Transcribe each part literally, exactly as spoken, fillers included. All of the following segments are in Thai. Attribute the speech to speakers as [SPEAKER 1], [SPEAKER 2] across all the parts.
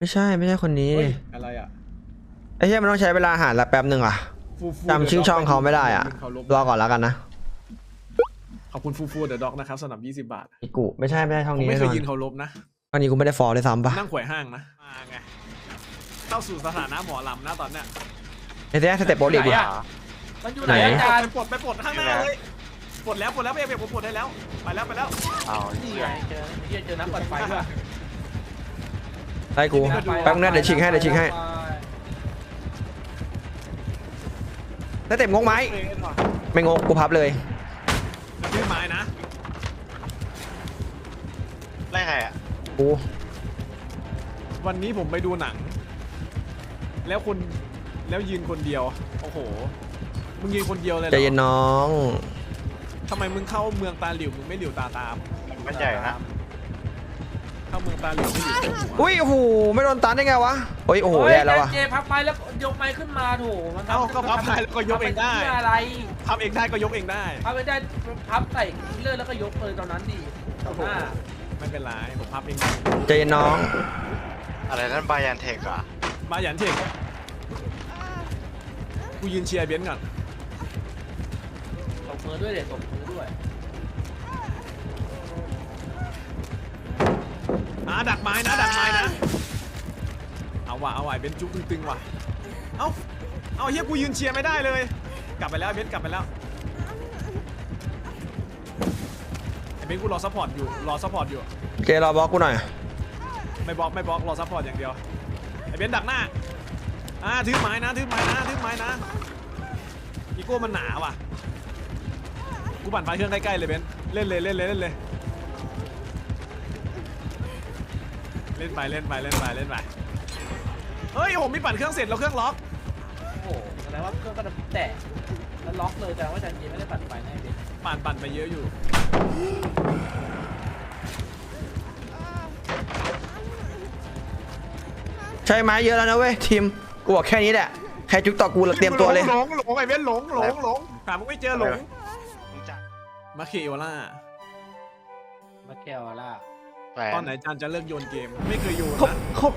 [SPEAKER 1] ไม่ใช่ไม่ใช่คนนี้
[SPEAKER 2] อะไรอ่ะ
[SPEAKER 1] ไอ้เหี้ยมันต้องใช้เวลาหาละแป๊บหนึ่งอ่ะจำชื่อช่องเขาไม่ได้อ่ะรอก่อนแล้วกันนะ
[SPEAKER 2] ขอบคุณฟูฟูเดอะด็อกนะครับสำหรับยี่สิบบาท
[SPEAKER 1] อีกูไม่ใช่ไม่ใช่ช่องนี้
[SPEAKER 2] ไม่
[SPEAKER 1] แน่
[SPEAKER 2] เคน
[SPEAKER 1] อย น
[SPEAKER 2] ยืนเคารพนะ
[SPEAKER 1] ตอนนี้กูไม่ได้ฟอลเลยซ้ำปะ
[SPEAKER 2] นั่งขวายห้างนะมาไงเข้าสู่สถานะหมอลำนะตอนเนี้ย
[SPEAKER 1] ไอ้เนี้ยสเต็ปโบลิ่งอ่ะ
[SPEAKER 3] มันอยู่ไหนอาจารย์
[SPEAKER 2] ไปปลดไปปลดข้างหน้าเลยปลดแล้วปลดแล้วไม่เอกผมปลดได้แล้วไปแล้วไปแล้ว
[SPEAKER 3] เอานี่ไงเจอเจอเจอน้ำปัดไฟด้วย
[SPEAKER 1] ไอ้กูแป๊บนึงเดี๋ยวชิงให้เดี๋ยวชิงให้สเต็ปงงไหมไม่งงกูพับเลย
[SPEAKER 2] ชื่อไม้นะ
[SPEAKER 4] ไล่ใครอ่ะ
[SPEAKER 1] กู
[SPEAKER 2] วันนี้ผมไปดูหนังแล้วคนแล้วยืนคนเดียวโอ้โหมึงยืนคนเดียวเลยเหรอ
[SPEAKER 1] ใจเย็นน้อง
[SPEAKER 2] ทำไมมึงเข้าเมืองตาหลิวมึงไม่หลิวตาตาม
[SPEAKER 4] มันใหญ่นะ
[SPEAKER 2] เข้าเมืองตาหลิวไม่หลิว
[SPEAKER 1] อุ้ยโอ้โหไม่โดนตันได้ไงวะโอ้ยโอ้โหแย่แล้ววะ
[SPEAKER 3] เจพับไปแล้วยกไม้ขึ้นมาโถมัน
[SPEAKER 2] เอ้าก็พับได้แล้วก็ยกเองได้
[SPEAKER 3] อะไร
[SPEAKER 2] พับเองได้ก็ยกเองได้
[SPEAKER 3] พับไม่ได้พับใส่เลื่อนแล้วก็ยกเลยตอนนั้นดิ
[SPEAKER 2] ไม่เป็นไรผมพับเอง
[SPEAKER 1] ใจเย็นน้อง
[SPEAKER 4] อะไรนั่นบายันเทคอ่ะ
[SPEAKER 2] บายันเทคกูยืนเชียร์เบนซ์ก่อน
[SPEAKER 3] ตบมือด้วยเด็ดตบมือด้วย
[SPEAKER 2] อ่ะดักไม้นะดักไม้นะเอาว่ะเอาว่ะเบนซ์จุ๊บตึงๆว่ะเอ้าเอาเฮียกูยืนเชียร์ไม่ได้เลยกลับไปแล้วเบนซ์กลับไปแล้วไอ้เบนซ์กูรอซัพพอร์ตอยู่รอซัพพอร์ตอยู่
[SPEAKER 1] เจรอบล็อกกูหน่อย
[SPEAKER 2] ไม่บล็อกไม่บล็อกรอซัพพอร์ตอย่างเดียวไอ้เบนซ์ดักหน้าอ่าถือไม้นะถือไม้นะถือไม้นะอีโก้มันหนาว่ะกูปั่นไฟเครื่องใกล้ๆเลยเบนซ์เล่นเลยเล่นเลยเล่นเลยเล่นไปเล่นไปเล่นไปเล่นไปเฮ้ยผมมีปั่นเครื่องเสร็จแล้วเครื่องล็อก
[SPEAKER 3] โอ้โหแสดงว่าเครื่องก็จะแตะแล้วล็อกเลยแต่ว่าอาจารย์จีไม่ได้ปั่นไฟแน่ดิ
[SPEAKER 2] ปั่นปั่นไปเยอะอยู่
[SPEAKER 1] ใช้ไม้เยอะแล้วนะเว้ยทีมกูบอกแค่นี้แหละใครจุกต่อกูเตรียมตัวเลย
[SPEAKER 2] หลงหลงไอ้เว้นหลงหลงหลงหามึงไม่เจอหลงมาเคโอล่า
[SPEAKER 3] มาเคโอล่า
[SPEAKER 2] ตอนไหนจันจะเลิกโยนเกมไม่เคยโยนนะ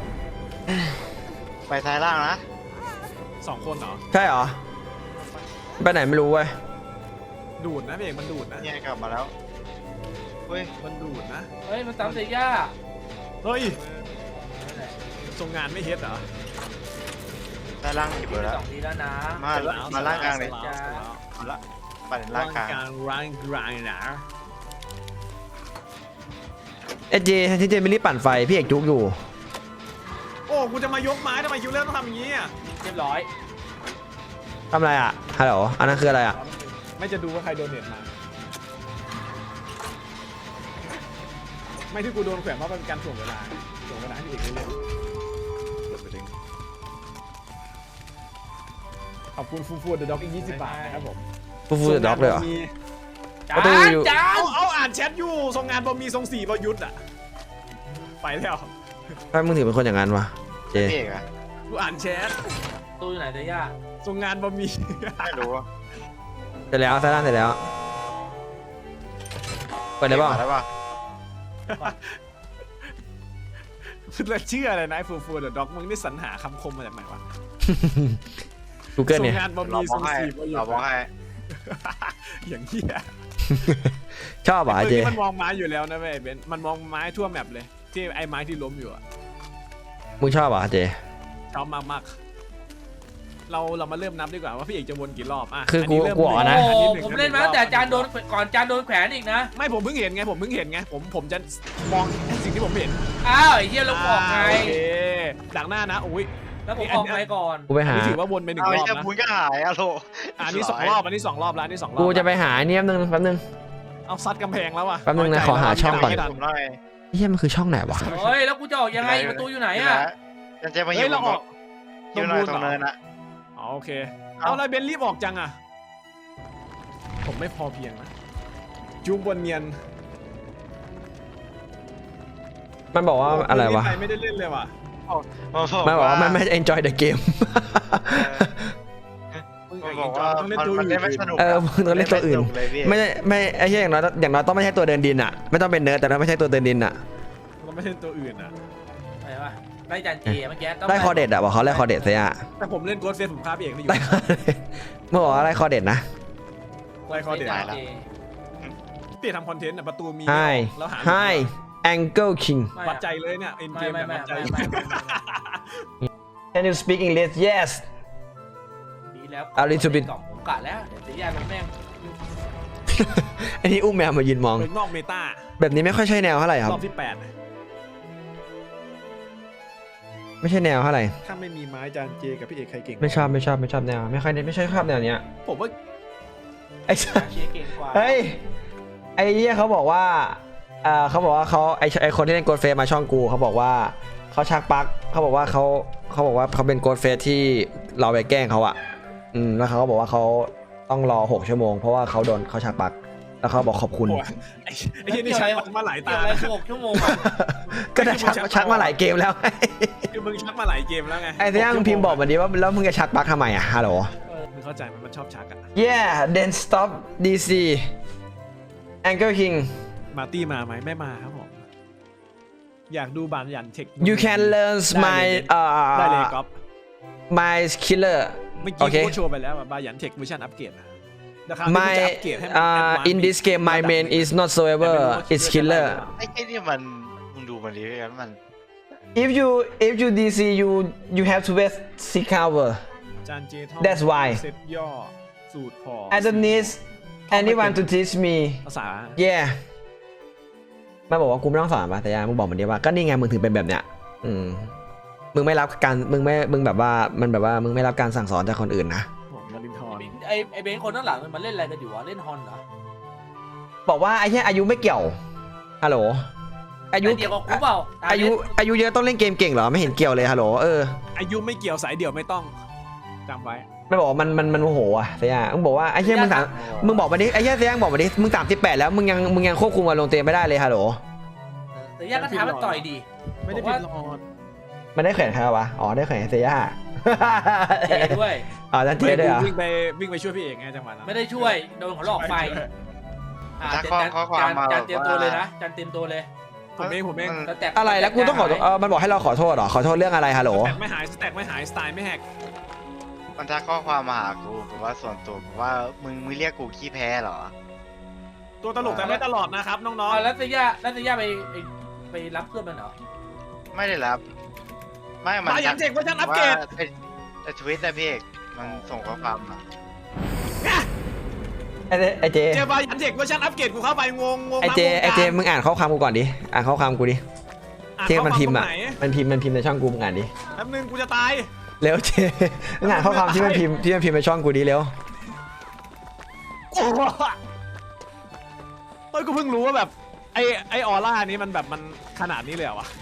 [SPEAKER 4] ไปซ้ายล่างนะ
[SPEAKER 2] สองคนเหรอ
[SPEAKER 1] ใช่เหรอไปไหนไม่รู้เว้ย
[SPEAKER 2] ดูดนะพี่เอกมันดูดนะ
[SPEAKER 4] เนี่ยกลับมาแล้วเฮ้ย
[SPEAKER 2] มันดูดนะ
[SPEAKER 3] เฮ้ยมันตามเสียย่า
[SPEAKER 2] เฮ้ยทรงงานไม่เฮ็ดเหรอ
[SPEAKER 4] ซ้ายล่างหยิบเลยแล้ว
[SPEAKER 3] สองทีแล้วนะ
[SPEAKER 4] มามาล่างกลางเลยมาละปั่นล่างกลาง
[SPEAKER 2] ล่างกลางนะ
[SPEAKER 1] เอเจที่เจไม่รีบปั่นไฟพี่เอกจุกอยู่
[SPEAKER 2] โอ้กูจะมายกไม้ทำไมคิวเลอร์ต้องทำอย่างนี้อ่ะ
[SPEAKER 3] เรียบร้อย
[SPEAKER 1] ทำอะไรอ่ะฮัลโหลอันนั้นคืออะไรอ่ะ
[SPEAKER 2] ไม่จะดูว่าใครโดนเน็ตมาไม่ที่กูโดนแขวนเพราะเป็นการถ่วงเวลาถ่วงเวลาให้เอกเล่นขอบคุณฟูฟูเดอะด็อกอีกยี่สิบบาทนะครับผม
[SPEAKER 1] ฟูฟูเดอะด็อกเลยเหรอ
[SPEAKER 3] จ้าจ้า
[SPEAKER 2] เอาอ่านแชทอยู่ทรงงานบอมีทรงสี่บอยุทธ์อ่ะไปแล้ว
[SPEAKER 1] ถ้ามึงถือเป็นคนอย่างนั้นวะเจ
[SPEAKER 2] กูอ่านแชท
[SPEAKER 3] ตู้อยู่ไหนเตย่า
[SPEAKER 2] ทรงงานบอมี
[SPEAKER 4] ไม่รู้
[SPEAKER 1] เสร็จแล้วใส่ด้านเสร็จแล้วเปิดได้ป่ะ
[SPEAKER 4] ได้ป่ะ
[SPEAKER 2] คุณเชื่ออะไรนะฟูฟูเดอะด็อกมึงนี่สรรหาคำคมมาจากไหนวะ
[SPEAKER 1] กูเกิลเนี่ย
[SPEAKER 2] ทรงงานบอมีทรงสี่บอยุทธ์
[SPEAKER 4] เราบอกให้
[SPEAKER 2] อย่างเหี้ย
[SPEAKER 1] ชอบอ่ะเจ
[SPEAKER 2] มันมองไม้อยู่แล้วนะเว้ยเบนมันมองไม้ทั่วแมปเลยที่ไอ้ไม้ที่ล้มอยู่อ่ะ
[SPEAKER 1] มึงชอบอ่ะเจ
[SPEAKER 2] ชอบมากๆเราเรามาเริ่มนับดีกว่าว่าพี่เอกจะวนกี่รอบอ่ะ
[SPEAKER 1] คือกูกลัวนะ
[SPEAKER 3] ผมเล่นมาแต่จานโดนก่อนจานโดนแขวนอีกนะ
[SPEAKER 2] ไม่ผมเพิ่งเห็นไงผมเพิ่งเห็นไงผมผมจะมองสิ่งที่ผมเห็น
[SPEAKER 3] อ้าวไอ้เหี้ยลงออกไง
[SPEAKER 2] โอเคดักหน้านะอุ้ย
[SPEAKER 3] แล้วผมออกไปก่อน
[SPEAKER 1] กูไปหา
[SPEAKER 2] ถือว่าวนไปหนึ่งรอบนะ
[SPEAKER 4] มึงก็หายอะโล
[SPEAKER 2] อันนี้สองรอบอันนี้สองรอบแล้วอันนี้สองรอบ
[SPEAKER 1] กูจะไปหาเนี่ยแป๊บนึงแป๊บนึง
[SPEAKER 2] เอาซัดกำแพงแล้วอ่ะ
[SPEAKER 1] แป๊บนึงนะขอหาช่องก่อนเฮียมันคือช่องไหนวะ
[SPEAKER 3] เฮ้ยแล้วกูจะออกยังไงประตูอยู่ไหนอ่ะ
[SPEAKER 4] จะจะมาอยู่
[SPEAKER 2] เราออก
[SPEAKER 4] อยู่หน่อยตรงเนินอะ
[SPEAKER 2] อ๋อโอเคเอาอะไรเบนรีบออกจังอ่ะผมไม่พอเพียงนะจูงบนเนียน
[SPEAKER 1] มันบอกว่าอะไรวะ
[SPEAKER 2] ไม่ได้เล่นเลยว่ะ
[SPEAKER 1] มันบอกว่ามันไม่ enjoy the game
[SPEAKER 4] บอกว่ามันไม่สนุก
[SPEAKER 1] เออมึงต้องเล่นตัวอื่นไม่ไม่ไอ้เหี้ยอย่างน้อยอย่างน้อยต้องไม่ใช่ตัวเดินดินอ่ะไม่ต้องเป็นเนิร์ดแต่ต้องไม่ใช่ตัวเดินดินอ่ะ
[SPEAKER 2] ต้องไม่ใช่ตัวอื่นอ่ะ
[SPEAKER 3] อะไรวะได้จานจีเมื่อกี้ต้อง
[SPEAKER 1] ได้คอเด็ดอะบอกเขาได้คอเด็ดเสียอะ
[SPEAKER 2] แต่ผมเล่นโกดเฟสผมฆ่าพี่เอกไม่อยู่
[SPEAKER 1] ได้คอเด็ดเมื่อบอกว่าได้คอเด็ดนะ
[SPEAKER 2] ไล่คอเด็ด
[SPEAKER 3] จานจี
[SPEAKER 2] พี่ทำคอนเทนต์อ่ะประตูมี
[SPEAKER 1] Hi
[SPEAKER 2] แล้วหา
[SPEAKER 1] Hi Angle King
[SPEAKER 2] วัดใจเลยเนี่ยเอ็นเก
[SPEAKER 3] ไม่
[SPEAKER 2] ม
[SPEAKER 3] ไม่
[SPEAKER 2] เนี่ย
[SPEAKER 3] ไม่
[SPEAKER 2] วัดใจ
[SPEAKER 3] ไม่ไม่ไม่
[SPEAKER 1] Can you speak English Yes
[SPEAKER 3] ดีแล้ว
[SPEAKER 1] A little bit
[SPEAKER 3] กล่องผมกะแล้วเดี๋ยวเสียยามันแม่ง
[SPEAKER 1] ไอ้นี่อุ้มแมวมายืนมอง
[SPEAKER 2] เป็นนอกเมตา
[SPEAKER 1] แบบนี้ไม่ค่อยใช่แนวเท่าไหร่ครับ
[SPEAKER 2] รอบที่แปด
[SPEAKER 1] ไม่ใช่แนวเท่าไหร่
[SPEAKER 2] ถ้าไม่มีไม้จานเจกับพี่เอกใครเก่ง
[SPEAKER 1] ไม่ชอบไม่ชอบไม่ชอบแนวไม่ค่อยไม่ชอบชอบแนวเนี้ย
[SPEAKER 2] ผมว่า
[SPEAKER 1] ไอ้สัส
[SPEAKER 3] เชียร์เก่งกว่า
[SPEAKER 1] เฮ้ยไอ้เหี้ยเขาบอกว่าเอ่อเขาบอกว่าเขาไอ้ไอ้คนที่เล่นโกดเฟสมาช่องกูเขาบอกว่าเขาชักปลั๊กเขาบอกว่าเขาเขาบอกว่าเขาเป็นโกดเฟสที่เราไปแกล้งเขาอะอืมแล้วเขาก็บอกว่าเขาต้องรอหกชั่วโมงเพราะว่าเขาโดนเขาชักปลั๊กแล้วเขาบอกขอบคุณ
[SPEAKER 2] โอ้ยไอ้ไอ้ที่นี่ใช้มาหลายตา
[SPEAKER 3] เกี่ยวอะไร
[SPEAKER 2] นะ
[SPEAKER 3] หกชั่วโมงอะ
[SPEAKER 1] ก็ได้ชักชักมาหลายเกมแล้ว
[SPEAKER 2] คือมึงชักมาหลายเกมแล้วไง
[SPEAKER 1] ไอ้เนี้ยมึงพิมพ์บอกมาดิว่าแล้วมึงจะชักปลั๊กทำไมอะฮัลโหล
[SPEAKER 2] มึงเข้าใจมันมันชอบชักอะ
[SPEAKER 1] Yeah then stop ดี ซี Angle King
[SPEAKER 2] มาร์ตี้มาไหมไม่มาครับผมอยากดูบานยันเทค
[SPEAKER 1] you can learn my
[SPEAKER 2] ได้เลย
[SPEAKER 1] uh
[SPEAKER 2] ก๊อฟ
[SPEAKER 1] my killer
[SPEAKER 2] เมื่อ
[SPEAKER 1] โอ
[SPEAKER 2] กี้
[SPEAKER 1] เค
[SPEAKER 2] กูโชว์ไปแล้วบายันเทคเวอร์ชันอัปเกรดนะนะครับที่กู
[SPEAKER 1] my
[SPEAKER 2] จะอัปเกรดให้มัน
[SPEAKER 1] uh
[SPEAKER 2] advance
[SPEAKER 1] in this game my main is not so ever it's killer
[SPEAKER 4] ไอ้ไอ้นี่มันมึงดูมันดิกันมัน
[SPEAKER 1] if you if you ดี ซี you you have to wait six hour
[SPEAKER 2] จานเจทอ
[SPEAKER 1] That's why
[SPEAKER 2] เซตย่อสูตรพอ
[SPEAKER 1] I don't need anyone to teach me
[SPEAKER 2] ภาษา
[SPEAKER 1] yeah มันบอกว่ากูไม่ต้องสอนป่ะแต่ยามึงบอกมันดีว่าก็นี่ไงมึงถึงเป็นแบบเนี้ยอืมมึงไม่รับการมึงไม่มึงแบบว่ามันแบบว่ามึงไม่รับการสั่งสอนจากคนอื่นนะ
[SPEAKER 2] ผมมารินทอน
[SPEAKER 3] ไอไอเบนคนข้างหลังมันเล่นอะไรกันอยู่วะเล่นฮอนเหรอ
[SPEAKER 1] บอกว่าไอ้แค่อายุไม่เกี่ยวฮัลโหลอายุ
[SPEAKER 3] เดียวกับกูเปล่า
[SPEAKER 1] อายุอายุเยอะต้องเล่นเกมเก่งเหรอไม่เห็นเกี่ยวเลยฮัลโหลเออ
[SPEAKER 2] อายุไม่เกี่ยวสายเดี่ยวไม่ต้องจำไว้
[SPEAKER 1] ไม่บอกว่ามันมันมันโมโหอ่ะเสียมึงบอกว่าไอ้เหี้ยมึงสามมึงบอกมาดิไอ้เหี้ยเสียบอกมาดิมึงสามสิบแปดแล้วมึงยังมึงยังควบคุมอารมณ์ตัวเองไม่ได้เลยฮัลโหล
[SPEAKER 3] แต่ยาก็ท้ามันต่อยดี
[SPEAKER 2] ไม่ได้ผิดหรอก
[SPEAKER 1] มันได้แขวนใครวะอ๋อได้แขวนเสีย
[SPEAKER 3] เจด้วย
[SPEAKER 1] อ๋อนั่นเจ๊ด้วยเหรอ
[SPEAKER 2] วิ่งไปวิ่งไปช่วยพี่เอกไงจังหวะนั้น
[SPEAKER 3] ไม่ได้ช่วยโดนเขาหลอกไปอ่าจานจานจานเตรียมตัวเลยนะจานเตรียมตัวเลย
[SPEAKER 2] ผมเองผมเอง
[SPEAKER 3] แล้วแตก
[SPEAKER 1] อะไรแล้วกูต้องขอเออมันบอกให้เราขอโทษเหรอขอโทษเรื่องอะไรฮัลโหล
[SPEAKER 2] สแต็กไม่หายสแต็กไม่หายสไตล์ไม่แหก
[SPEAKER 4] มันทักข้อความมาหากูผมว่าส่วนตัวผมว่ามึงมึงเรียกกูขี้แพ้เหรอ
[SPEAKER 2] ตัวตลกแต่ไม่ตลอดนะครับน้อง
[SPEAKER 3] อ๋อแล้วเซียแล้วเซียไปไปรับเพื่อนมันเหรอ
[SPEAKER 4] ไม่ได้รับ ไม่
[SPEAKER 2] ๆ
[SPEAKER 4] มัน
[SPEAKER 2] มาอย่างเทคเวอร์ชันอัปเกรด
[SPEAKER 4] ไอ้ทวิตนะพี่เอกมันส่งข้อความมา
[SPEAKER 1] ไอ้เจไอ้เจ
[SPEAKER 2] เจอบายันเทคเวอร์ชันอัปเกรดกูเข้าไปงงงง
[SPEAKER 1] ไอ้เจไอ้เจมึงอ่านข้อความกูก่อนดิอ่านข้อความกูดิเจมันพิมพ์อ่ะมันพิมพ์มันพิมพ์ในช่องกูมึงอ่านดิ
[SPEAKER 2] แป๊บนึงกูจะตาย
[SPEAKER 1] เร็วเจมึงอ่านข้อความที่มันพิมพ์ที่มันพิมพ์ในช่องกูดิเร็ว
[SPEAKER 2] โอ้โหเฮ้ยกูเพิ่งรู้ว่าแบบไอไอออร่านี้มันแบบมันขนาดนี้เลยเหรอวะ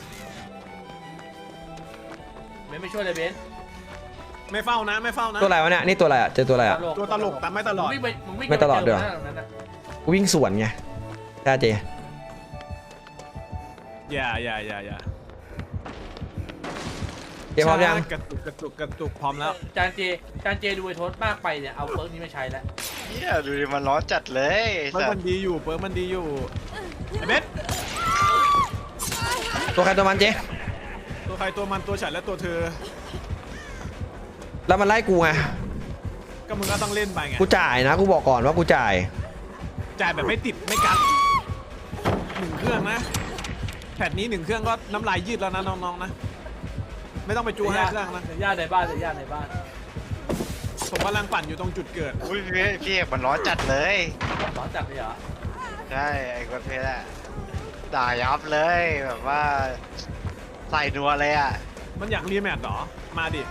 [SPEAKER 3] ไม่ไม่ช่วยเลยเบน
[SPEAKER 2] ไม่เฝ้านะไม่เฝ้านะ
[SPEAKER 1] ตัวอะไรวะเนี่ยนี่ตัวอะไรอ่ะเจอตัวอะไรอ่ะ
[SPEAKER 2] ตัวตลกแต่ไม่ตลอด
[SPEAKER 3] วิ่งไปมึงวิ่ง
[SPEAKER 1] ไม่ตลอดด้วย
[SPEAKER 3] นั้น
[SPEAKER 1] กูวิ่งสวนไงใช่เจ
[SPEAKER 2] อย่าอย่าอย่าอย่า
[SPEAKER 1] เจพร้อมยัง
[SPEAKER 2] กระตุกกระตุกกระตุกพร้อมแล้ว
[SPEAKER 3] จานเจจานเจดูไอโทษมากไปเนี่ยเอาเฟิร์กนี้มาใช้แล้ว
[SPEAKER 4] เนี่ยดูดิมันร้อนจัดเลย
[SPEAKER 2] เปิร์
[SPEAKER 4] สั
[SPEAKER 2] ก
[SPEAKER 4] ต
[SPEAKER 2] มัน
[SPEAKER 4] ว์
[SPEAKER 2] ดีอยู่เปิร์กมันดีอยู่ไอเบส
[SPEAKER 1] ตัวใครตัวมันเจ
[SPEAKER 2] ตัวใครตัวมันตัวฉันและตัวเธอ
[SPEAKER 1] แล้วมันไล่กูไง
[SPEAKER 2] ก็มึงก็ต้องเล่นไปไง
[SPEAKER 1] กูจ่ายนะกูบอกก่อนว่ากูจ่าย
[SPEAKER 2] จ่ายแบบไม่ติดไม่กัดหนึ่งเครื่องนะแพทนี้หนึ่งเครื่องก็น้ำลายยืดแล้วนะน้องๆนะไม่ต้องไปจูห้าเครื่องนะ
[SPEAKER 3] เสียญาติในบ้านเสียญาติในบ้าน
[SPEAKER 2] ผมกำลังปั่นอยู่ตรงจุดเกิด
[SPEAKER 4] อุ้ยพี่พี่เอกมันร้อนจัดเลย
[SPEAKER 3] ร้อนจัดเลยเหรอ
[SPEAKER 4] ใช่ไอ้คนเพชรอะด่ายับเลยแบบว่าใส่นัวเลยอะ
[SPEAKER 2] มันอยากรีแมตช์เหรอมาดิ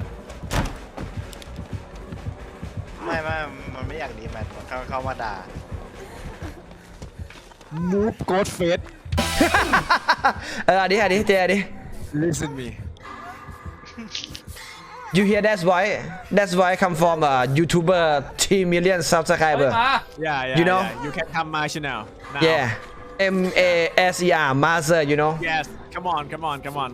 [SPEAKER 4] ไม่ไม่มันไม่อยากดีแมทมันเข้าเข้ามาด่า
[SPEAKER 2] มูฟโกดเฟส
[SPEAKER 1] เอออันนี้อันนี้เจอันนี้
[SPEAKER 2] listen me
[SPEAKER 1] you hear that's why that's why come from a YouTuber three million
[SPEAKER 3] เฮ้
[SPEAKER 1] subscriber
[SPEAKER 3] ยมา
[SPEAKER 2] yeah yeah
[SPEAKER 1] You know?
[SPEAKER 2] yeah. you can come my channel now
[SPEAKER 1] yeah M A S E R master you know
[SPEAKER 2] yes come on come on come on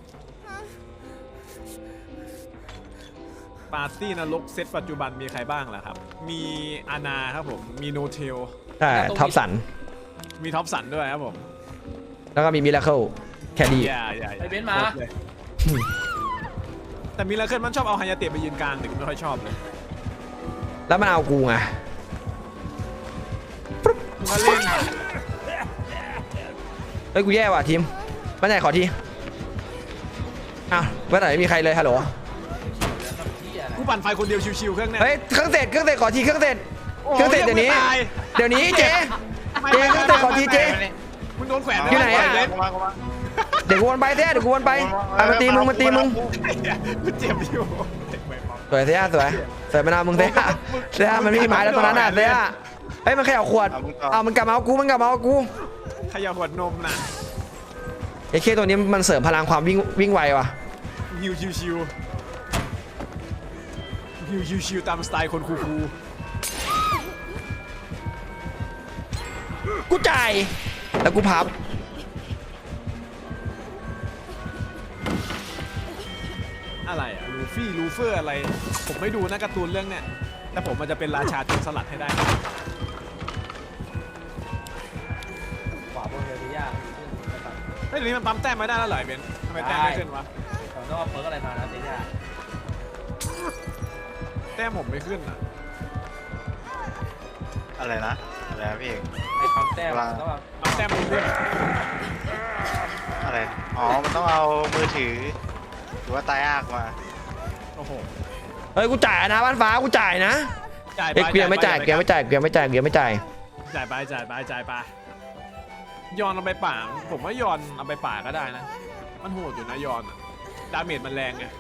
[SPEAKER 2] ปาร์ตี้นรกเซตปัจจุบันมีใครบ้างล่ะครับ มีอานาครับผม มีโนเทล
[SPEAKER 1] ใช่ท็อปสัน
[SPEAKER 2] มีท็อปสันด้วยครับผม
[SPEAKER 1] แล้วก็มีมิราเคิลแคค่ดี
[SPEAKER 2] อย่าอย่าอย่า
[SPEAKER 3] ไอ้เบนซ์มา
[SPEAKER 2] โคตรเลยแต่มิราเคิลมันชอบเอาฮายาเตะไปยืนกลางแต่กูไม่ค่อยชอบเลย
[SPEAKER 1] แล้วมันเอากูไง
[SPEAKER 2] มึงก็เล่น
[SPEAKER 1] เฮ้ยกูแย่ว่ะทีมมาไหนขอทีอ้าวว่าไหนไม่มีใครเลยฮัลโหล
[SPEAKER 2] กูปั่นไฟคนเดียวชิวๆเครื่องเนี้ย
[SPEAKER 1] เฮ้ยเครื่องเสร็จเครื่องเสร็จขอทีเครื่องเสร็จเครื่องเสร็จเดี๋ยวนี้
[SPEAKER 2] ตาย
[SPEAKER 1] เดี๋ยวนี้เจ๊เจ๊เครื่องเสร็จขอทีเจ๊
[SPEAKER 2] มึงโดนแขวน
[SPEAKER 1] อยู่ไหนอะ
[SPEAKER 2] เล่น
[SPEAKER 4] กูมากูมา
[SPEAKER 1] เดี๋ยวกูวนไปเสียเดี๋ยวกูวนไปอ่ะมันตีมึงมันตีมึง
[SPEAKER 2] กูเจ็บอยู่
[SPEAKER 1] สวยเสียสวยสวยมานาวมึงเสียเสียมันไม่มีไม้แล้วตอนนั้นน่ะเสียเฮ้ยมันแค่เอาขวดเอามันกลับมาเอากูมันกลับมาเอากู
[SPEAKER 2] ขยับหัวดนมน่ะ
[SPEAKER 1] ไอ้เคตัวนี้มันเสริมพลังความวิ่งวิ่งไวว่ะ
[SPEAKER 2] ฮิวชิวๆฮิวชิวๆตามสไตล์คนคูล
[SPEAKER 1] กูจ่ายแล้วกูพับ
[SPEAKER 2] ๆอะไรอะลูฟี่ลูเฟอร์อะไร ผมไม่ดูนะการ์ตูนเรื่องเนี้ยแต่ผมมันจะเป็นราชาโจรสลัดให้ได้
[SPEAKER 3] ขวาบนเลยพี่ย่า
[SPEAKER 2] เฮ้ยเดี๋ยวนี้มันปั๊มแต้มไม่ได้แล้วเหรอไอ้เบนซ์ทำไมแต้มไม่ขึ้นวะ
[SPEAKER 3] เราต้องเอาเปิร์กอะไรมานะเจ๊ย่า
[SPEAKER 2] แต้มผมไม่ขึ้นอ่ะ
[SPEAKER 4] อะไรนะอะไรนะพี่เอก
[SPEAKER 3] ไอ้ปั๊มแต้มต้องเอา
[SPEAKER 2] ปั๊มแต้มไม่ขึ้น
[SPEAKER 4] อะไรอ๋อมันต้องเอามือถือหรือว่าตายอากมา
[SPEAKER 2] โอ้โห
[SPEAKER 1] เฮ้ยกูจ่ายนะบ้านฟ้ากูจ่ายนะ
[SPEAKER 2] จ่ายไป
[SPEAKER 1] เอ้ยกูยังไม่จ่ายกูยังไม่จ่ายกูยังไม่จ่ายกูยังไม่จ่าย
[SPEAKER 2] จ่ายไปจ่ายไปจ่ายไปยอนเอาไปป่าผมว่ายอนเอาไปป่าก็ได้นะ มันโหดอยู่นะยอนอะดาเมจมันแรงไง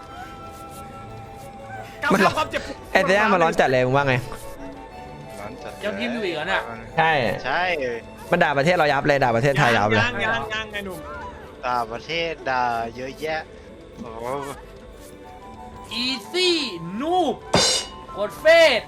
[SPEAKER 1] มันร้อน
[SPEAKER 2] ความเจ็บปวด
[SPEAKER 1] ไอ้เสียมันร้อนจัดเลยมึงว่าไง
[SPEAKER 4] ร้อนจัด
[SPEAKER 3] ยังพิมพ์อยู่อีกเหรอเนี่ย
[SPEAKER 1] ใช่
[SPEAKER 4] ใช่
[SPEAKER 1] มันด่าประเทศเรายับเลยด่าประเทศไทยยับเลย
[SPEAKER 2] ยังยังยังไงหนุ่ม
[SPEAKER 4] ต่างประเทศด่าเยอะแยะโอ้โห
[SPEAKER 3] อีซี่นูบกดเฟส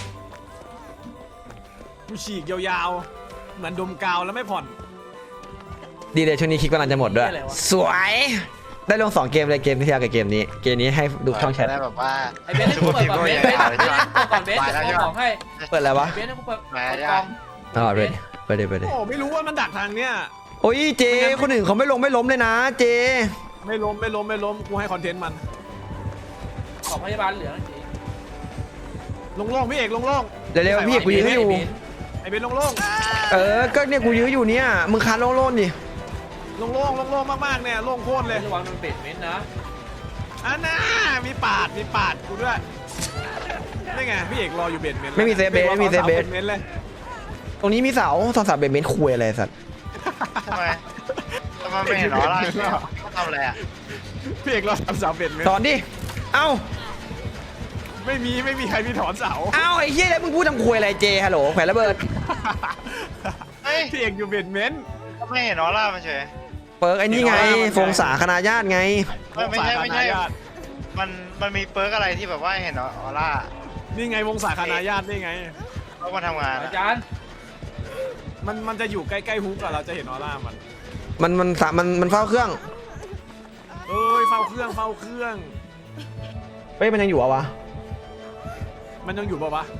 [SPEAKER 2] กูฉีกยาวๆ เหมือนดมกาวแล้วไม่ผ่อน
[SPEAKER 1] ดีเลยช่วงนี้คลิกกำลังจะหมดด้วย สวย ได้ลงสองเกมเลยเกมที่แล้วกับเกมนี้ เกมนี้ให้ดูช่องแชท
[SPEAKER 4] ได้แบบว่า
[SPEAKER 3] ไอ้เบนซ์ให้กูเปิดก่อนเบนซ์เบนซ์เบนซ์ให้กูเปิดก่อนเบนซ์เดี๋ยวกูเอาของให้
[SPEAKER 1] เปิดอะไรวะ
[SPEAKER 3] เบนซ์ให้กูเปิด
[SPEAKER 4] แหม
[SPEAKER 3] เปิด
[SPEAKER 4] ยาก
[SPEAKER 3] กล่อง
[SPEAKER 1] อ๋อไปดิไปดิไปดิ
[SPEAKER 2] โอ้ไม่รู้ว่ามันดักทางเนี้ย
[SPEAKER 1] โอ้ยเจคนอื่นเขาไม่ลงไม่ล้มเลยนะเจ
[SPEAKER 2] ไม่ล้มไม่ล้มไม่ล้มกูให้คอนเทนต์มัน
[SPEAKER 3] ของพยาบาลเหลืองจริง
[SPEAKER 2] ลงโล่งพี่เอกลงโล่ง
[SPEAKER 1] เดี๋ยวเร็วพี่กูยื้ออยู่
[SPEAKER 2] ไอเบนลงโล่ง
[SPEAKER 1] เออก็เนี่ยกูยื้ออยู่เนี่ยมึงคันโล่นๆดิ
[SPEAKER 2] ลงโล่งลงโล่งมากๆเนี่ยโล่งโคตรเลย
[SPEAKER 3] ระวังมันเป็ดเม้นนะ
[SPEAKER 2] อันน่ามีปาดมีปาดกูด้วยนี่ไงพี่เอกรออยู่เบนเมนต์
[SPEAKER 1] ไม่มีเซฟเบสไม่มีเซฟเบส
[SPEAKER 2] เมนต์เลย
[SPEAKER 1] ตรงนี้มีเสาสองสามเบนเมนต์คุยอะไรสัตว์
[SPEAKER 4] ทำไมทำไมไม่เห็นหรอล่ะเขาทำอะไรอ่ะ
[SPEAKER 2] พี่เอกรอทำเสาเบนเมน
[SPEAKER 1] ส
[SPEAKER 2] ต์
[SPEAKER 1] อนดิเอ้า
[SPEAKER 2] ไม่มีไม่มีใครมีถอนเสา
[SPEAKER 1] เอ้าไอ้เหี้ยแล้วมึงพูดทำคุยอะไรเจฮัลโหลแขวนระเบิด
[SPEAKER 4] เฮ้ย
[SPEAKER 2] พี่เอกอยู่เบนเมนต์
[SPEAKER 4] ก็ไม่เห็นหรอล่ะมันเฉย
[SPEAKER 1] เปิร์กไอ้นี่ไงฟงสาคณาญาติไง
[SPEAKER 4] ไม่ไม่ใช่ไม่ใช่
[SPEAKER 2] วงศาคณาญาติ
[SPEAKER 4] มันมันมีเปิร์กอะไรที่แบบว่าเห็นออร่า
[SPEAKER 2] นี่ไงวงศาคณาญาตินี่ไง
[SPEAKER 4] เขามาทำงาน
[SPEAKER 3] อา
[SPEAKER 4] อะ
[SPEAKER 3] จารย์
[SPEAKER 2] มันมันจะอยู่ใกล้ๆฮุกอะเราจะเห็นออร่ามัน
[SPEAKER 1] มันมันสามันมันเฝ้าเครื่อง
[SPEAKER 2] เอ้ยเฝ้าเครื่องเฝ้าเครื่อง
[SPEAKER 1] เฮ้ยมันยังอยู่อะวะ
[SPEAKER 2] มันยังอยู่ปะวะ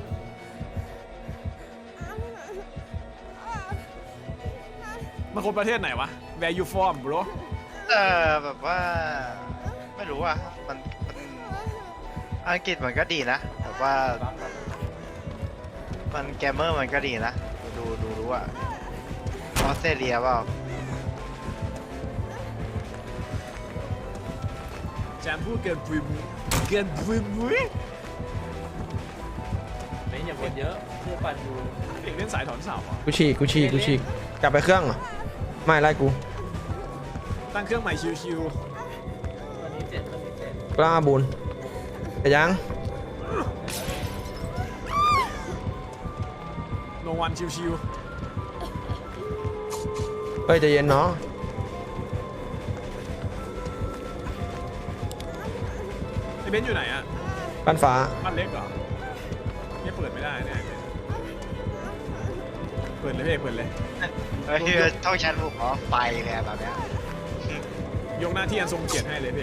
[SPEAKER 2] มันคนประเทศไหนวะ Where you from bro
[SPEAKER 4] เออแบบว่าไม่รู้อ่ะมันมันอังกฤษมันก็ดีนะแบบว่ามันแกมเมอร์มันก็ดีนะดูดูรู้อ่ะออสเตรเลียเปล่า
[SPEAKER 2] แจมพูดเกินปุยมุ้ยเกินปุยมุ้ย
[SPEAKER 3] เม้นอย่าบ่นเยอะเพื่อปั่นอยู่
[SPEAKER 2] เด็กเล่นสายถอนเสาอะ
[SPEAKER 1] กูฉีกกูฉีกกูฉีกกลับไปเครื่องเหรอไม่ไล่กู
[SPEAKER 2] ตั้งเครื่องใหม่ชิว
[SPEAKER 3] ตอนนี้เจ็ดตอนนี้เจ็ด
[SPEAKER 1] กล้าบุญแต่ยัง
[SPEAKER 2] ๆลงวันชิว
[SPEAKER 1] เฮ้ยใจเย็นเนาะ
[SPEAKER 2] ๆไอเบนซ์อยู่ไหนอะ
[SPEAKER 1] บ้านฟ้า
[SPEAKER 2] บ้านเล็กเหรอเนี่ยเปิดไม่ได้เนี่ยเปิดเลยพี่เอกเปิดเลย
[SPEAKER 4] เฮ้ยต้องชันบุกเหรอไปเลยอะแบบเนี้ย
[SPEAKER 2] ยกหน้าที่อันทรงเกียรติให้เลยพี่เอก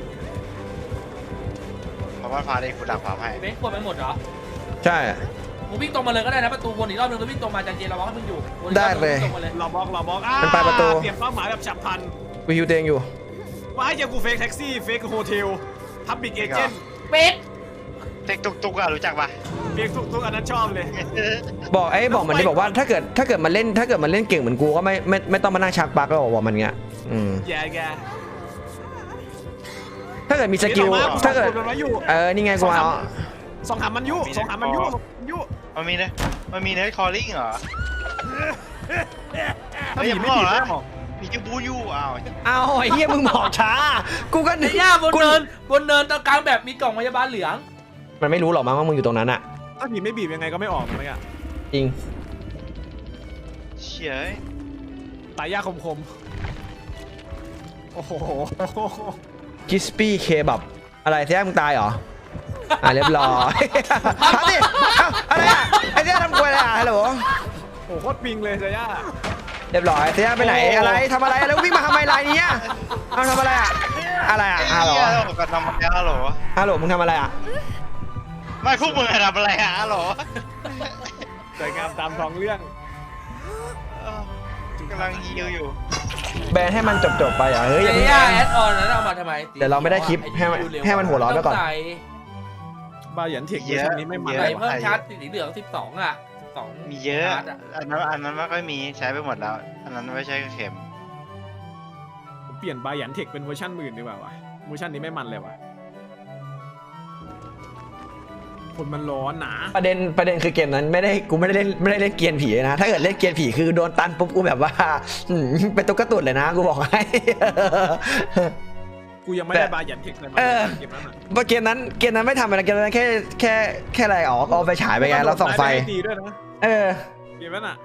[SPEAKER 4] เพราะว่าฟ้าได้คุณดักฟ้าให้
[SPEAKER 3] เม้นกดไปหมดเหรอ
[SPEAKER 1] ใช่
[SPEAKER 3] มึงวิ่งตรงมาเลยก็ได้นะประตูวนอีกรอบนึงแล้ววิ่งตรงมาจันเจเราบอกให้มึงอยู่วนอีกร
[SPEAKER 1] ได้
[SPEAKER 3] อบนึง
[SPEAKER 1] เลย
[SPEAKER 3] วิ่งตรงมาเลย
[SPEAKER 2] รอบล็อกรอบล็อกอ่า
[SPEAKER 1] มันไปประตู
[SPEAKER 2] เปลี่ยนเป้าหมายแบบฉับพลัน
[SPEAKER 1] กูฮิวเตงอยู่
[SPEAKER 2] ว่าให้เจอกูเฟกแท็กซี่เฟกโฮเทลพับบิกเอเจนต์
[SPEAKER 3] เป็ด
[SPEAKER 4] เทคตุกตุกอะรู้จักปะ
[SPEAKER 2] เฟกทุกๆอันนั้นชอบเลย
[SPEAKER 1] บอกไอ้บอกมันที่บอกว่าถ้าเกิดถ้าเกิดมันเล่นถ้าเกิดมันเล่นเก่งเหมือนกูก็ไม่ไม่ไม่ต้องมานั่งชักปลั๊กแล้วบอกมันเงี้ยอืม
[SPEAKER 2] แย่แก
[SPEAKER 1] ถ้าเกิดมีสกิลถ้าเกิด
[SPEAKER 2] มันมาอยู่
[SPEAKER 1] เออนี่ไงกูเอา
[SPEAKER 2] สองหามันยุสองหามันยุยุ
[SPEAKER 4] มันมีเนมันมีเนคอลลิ่งเหรอ
[SPEAKER 2] ถ้า
[SPEAKER 4] เฮ้ย
[SPEAKER 2] ผี
[SPEAKER 4] อย่า
[SPEAKER 2] ไม่
[SPEAKER 4] บอก
[SPEAKER 2] ผี
[SPEAKER 4] นะ
[SPEAKER 2] ไม่บอก
[SPEAKER 4] มีแค่บูยูอ้าว
[SPEAKER 1] เอาไอ้เหี้ยมึงบอกช้า กูก็
[SPEAKER 3] ในย่าบนเนินบนเนินตรงกลางแบบมีกล่องพยาบาลเหลือง
[SPEAKER 1] มันไม่รู้หรอกมั้งว่ามึงอยู่ตรงนั้นอะ
[SPEAKER 2] ถ้าผีไม่บีบยังไงก็ไม่ออกนะเมื่อกี้
[SPEAKER 1] จริง
[SPEAKER 4] เชี่ย
[SPEAKER 2] ตายยากคมๆโอ้โห
[SPEAKER 1] กิสปี้เคบับอะไรเที่ยมึงตายเหรออ่ะเรียบร้อยเอาสิเอาอะไรอะไอ้เที่ยทำกล้วยอะไรอะฮัลโหล
[SPEAKER 2] โอ้โหโคตรปิงเลยเซย่า
[SPEAKER 1] เรียบร้อยเที่ยไปไหนอะไรทำอะไรแล้ววิ่งมาทำไมไรเนี้ยเอาทำอะไรอะอะไรอะฮัลโหล
[SPEAKER 4] เหี้ยเรากันทำอะไรฮัลโหล
[SPEAKER 1] ฮัลโหลมึงทำอะไรอะ
[SPEAKER 4] ไม่พวกมึงทำอะไรอะฮัลโหล
[SPEAKER 2] สวยงามตามท้องเรื่อง
[SPEAKER 4] เออกำลังฮิวอยู่
[SPEAKER 1] แบนให้มันจบๆไปอ่ะเฮ้ยอย่า
[SPEAKER 3] เจ
[SPEAKER 1] เพิ่ง
[SPEAKER 3] ย่า
[SPEAKER 1] แบ
[SPEAKER 3] แอน ดออนนั้นเอามาทำไม
[SPEAKER 1] เดี๋ยวเราไม่ได้คลิปให้มันให้มันหัวร้อนไว้ก่อน
[SPEAKER 3] ใส่
[SPEAKER 2] บาหยันเทคเวอร์ชันนี้ไม่มัน
[SPEAKER 4] เย
[SPEAKER 3] ใส่
[SPEAKER 4] อะ
[SPEAKER 3] เพิ่มชาร์จสีเหลืองสิบสองอ่ะสิบสอง
[SPEAKER 4] มีเยอะ
[SPEAKER 3] ชาร์จ
[SPEAKER 4] อันนั้นอันนั้นไม่ค่อยมีใช้ไปหมดแล้ว อันนั้นไม่ใช่เข็ม
[SPEAKER 2] ผมเปลี่ยนบาหยันเทคเป็นเวอร์ชันหมื่นดีกว่าวะเวอร์ชันนี้ไม่มันเลยวะคนมันร้อนหนา
[SPEAKER 1] ประเด็นประเด็นคือเกมนั้นไม่ได้กูไม่ได้เล่นไม่ได้เล่นเกียร์ผีนะถ้าเกิดเล่นเกียร์ผีคือโดนตันปุ๊บกูแบบว่าอืมเป็นตุ๊กตุ่นเลยนะกูบอกให้
[SPEAKER 2] กูยังไม่ได้บาหยันเทคเลยมา
[SPEAKER 1] เออ
[SPEAKER 2] เกมนั้นอะ
[SPEAKER 1] เพราะเกมนั้นเกมนั้นไม่ทำอะไรเกมนั้นแค่แค่แค่อะไรออกเอาไปฉายไปไงแล้วส่องไฟ
[SPEAKER 2] ดีด้วยนะ
[SPEAKER 1] เออ
[SPEAKER 2] เกมนั้นอ่ะ